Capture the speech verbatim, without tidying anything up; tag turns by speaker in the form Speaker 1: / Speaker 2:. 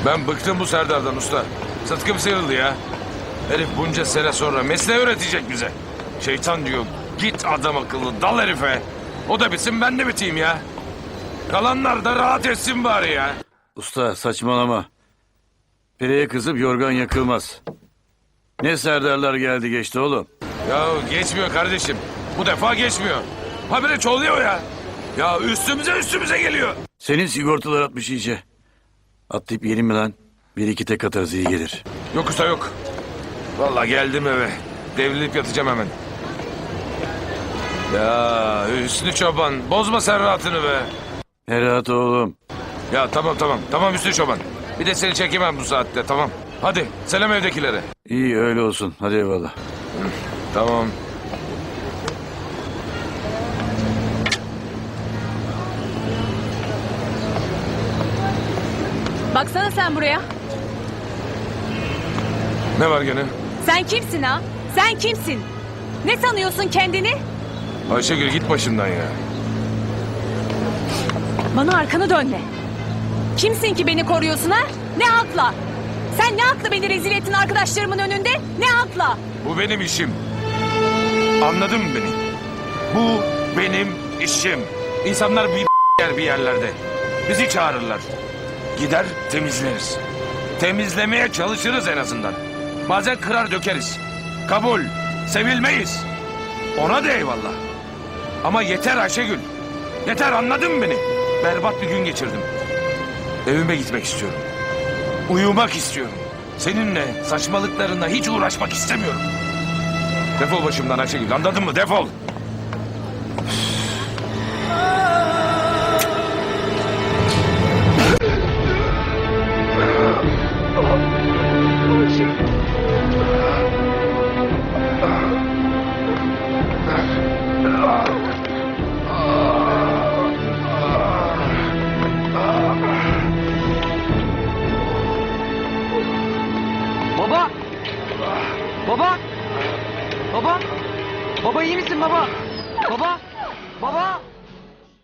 Speaker 1: Ben bıktım bu Serdar'dan usta. Sıtkım sıyrıldı ya. Herif bunca sene sonra mesleği öğretecek bize. Şeytan diyor, git adam akıllı dal herife. O da bitsin, ben de biteyim ya. Kalanlar da rahat etsin bari ya.
Speaker 2: Usta saçmalama. Pireye kızıp yorgan yakılmaz. Ne Serdarlar geldi geçti oğlum.
Speaker 1: Ya geçmiyor kardeşim. Bu defa geçmiyor. Habire çoğuluyor ya. Ya üstümüze üstümüze geliyor.
Speaker 2: Senin sigortalar atmış iyice. Atlayıp yiyelim mi lan? Bir iki tek atarız iyi gelir.
Speaker 1: Yok usta yok. Vallahi geldim eve. Devrilip yatacağım hemen. Ya Hüsnü Çoban, bozma sen rahatını be.
Speaker 2: Ne rahat oğlum.
Speaker 1: Ya tamam tamam. Tamam Hüsnü Çoban. Bir de seni çekemem bu saatte, tamam. Hadi selam evdekilere.
Speaker 2: İyi öyle olsun. Hadi eyvallah.
Speaker 1: Tamam.
Speaker 3: Baksana sen buraya.
Speaker 1: Ne var gene?
Speaker 3: Sen kimsin ha? Sen kimsin? Ne sanıyorsun kendini?
Speaker 1: Ayşegül git başımdan ya.
Speaker 3: Bana arkanı dönme. Kimsin ki beni koruyorsun ha? Ne hakla? Sen ne hakla beni rezil ettin arkadaşlarımın önünde? Ne hakla?
Speaker 1: Bu benim işim. Anladın mı beni? Bu benim işim. İnsanlar bir yer bir yerlerde. Bizi çağırırlar. Gider temizleriz. Temizlemeye çalışırız en azından. Bazen kırar dökeriz. Kabul. Sevilmeyiz. Ona da eyvallah. Ama yeter Ayşegül. Yeter, anladın mı beni? Berbat bir gün geçirdim. Evime gitmek istiyorum. Uyumak istiyorum. Seninle saçmalıklarına hiç uğraşmak istemiyorum. Defol başımdan Ayşegül, anladın mı? Defol.
Speaker 4: Baba! Baba! Baba! Baba iyi misin baba? Baba! Baba!